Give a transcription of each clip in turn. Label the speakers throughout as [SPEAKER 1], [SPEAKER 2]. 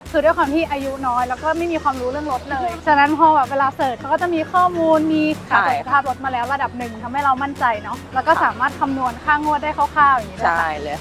[SPEAKER 1] คือด้วยความที่อายุน้อยแล้วก็ไม่มีความรู้เรื่องรถเลยฉะนั้นพอแบบเวลาเสิร์ชเขาก็จะมีข้อมูลมีการตรวจสภาพรถมาแล้วระดับหนึ่งทำให้เรามั่นใจเนาะแล้วก็สามารถคำนวณค่างวดได้คร่าวๆอย่างนี้ได้
[SPEAKER 2] ใช่เลย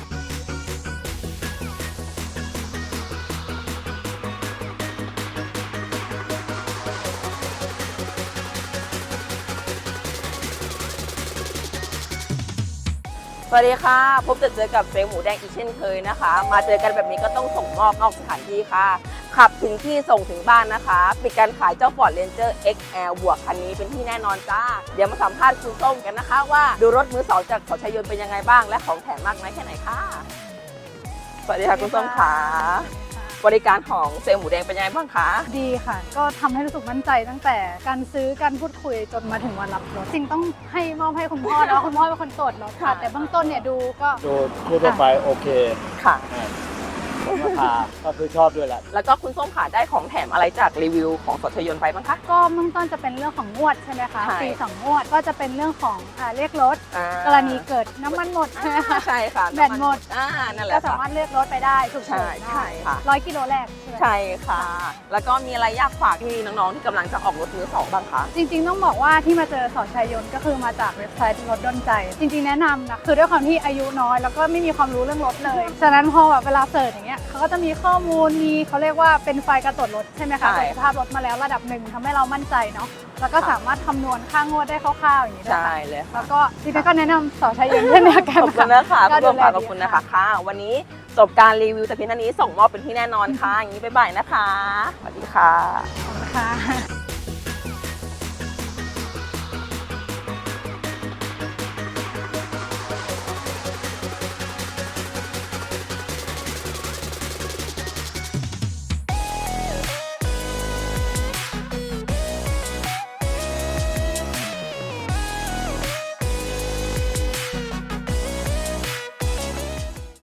[SPEAKER 2] สวัสดีค่ะพบเจอกับเจ๊หมูแดงอีกเช่นเคยนะคะมาเจอกันแบบนี้ก็ต้องส่งมอบนอกสถานที่ค่ะขับถึงที่ส่งถึงบ้านนะคะปิดการขายเจ้า Ford Ranger XL บวกคันนี้เป็นที่แน่นอนจ้าเดี๋ยวมาสัมภาษณ์คุณส้มกันนะคะว่าดูรถมือสองจากเขาชัยยนต์เป็นยังไงบ้างและของแถมมากน้อยแค่ไหนค่ะสวัสดีค่ะคุณส้มค่ะบริการของเซลล์หมูแดงเป็นยังไงบ้างคะ
[SPEAKER 1] ดีค่ะก็ทำให้รู้สึกมั่นใจตั้งแต่การซื้อการพูดคุยจนมาถึงวันรับรถจริงต้องให้มอบให้คุณพ่อแล้วคุณพ่อเป็นคนตรวจรถค่ะแต่เบื้องต้นเนี่ยดู
[SPEAKER 3] ทั่วไปโอเค
[SPEAKER 2] ค่ะ
[SPEAKER 3] ราคาก็คือชอบด้วยแหละ
[SPEAKER 2] แล้วก็คุณส้มค่ะได้ของแถมอะไรจากรีวิวของสดชยนต์ไปบ้างคะ
[SPEAKER 1] ก็เบื้องต้นจะเป็นเรื่องของงวดใช่ไหมคะ
[SPEAKER 2] ใช่
[SPEAKER 1] ปี2งวดก็จะเป็นเรื่องของเรียกรถกรณีเกิดน้ำมันหมดใช่ไหมคะ
[SPEAKER 2] ใช่ค่ะ
[SPEAKER 1] แบตหมด
[SPEAKER 2] นั่นแห
[SPEAKER 1] ก็
[SPEAKER 2] ละ
[SPEAKER 1] สา
[SPEAKER 2] ค่ะ
[SPEAKER 1] มารถเรียกรถไปได้ฉุกเฉิน
[SPEAKER 2] ใช่ค่ะ
[SPEAKER 1] ได้100 กิโลแรกใช่ไหม
[SPEAKER 2] ใช่ค่ะ แล้วก็มีอะไรอยากฝากที่น้องๆที่กำลังจะออกรถมือสองบ้างคะ
[SPEAKER 1] จริงๆต้องบอกว่าที่มาเจอสอนชัยยนต์ก็คือมาจากเว็บไซต์รถดลใจ จริงๆแนะนำนะคือด้วยความที่อายุน้อยแล้วก็ไม่มีความรู้เรื่องรถเลยฉะนั้นพอแบบเวลาเสิร์ชอย่างเงี้ยเขาก็จะมีข้อมูลมีเขาเรียกว่าเป็นไฟล์การตรวจรถใช่ไหมคะตรวจสภาพรถมาแล้วระดับหนึ่งทำให้เรามั่นใจเนาะแล้วก็สามารถคำนวณค่างวดได้คร่าวๆอย่างนี้ได้
[SPEAKER 2] ใช่เลยค่ะ
[SPEAKER 1] แล้วก็จริงๆก็แนะนำสอนชัยยนต์เช่นเดียวกัน
[SPEAKER 2] ขอบคุณนะคะ
[SPEAKER 1] ก็
[SPEAKER 2] คุณ
[SPEAKER 1] ดู
[SPEAKER 2] ส้ม
[SPEAKER 1] แล
[SPEAKER 2] ค่ะ
[SPEAKER 1] ดี
[SPEAKER 2] ขอบคุณนะคะค่ะ วันนี้จบการรีวิวแต่เพียงเท่านี้ส่งมอบเป็นที่แน่นอนค่ะ อย่างนี้บ๊ายบายนะคะ สวัสดีค่ะ
[SPEAKER 1] ขอบคุณค่ะ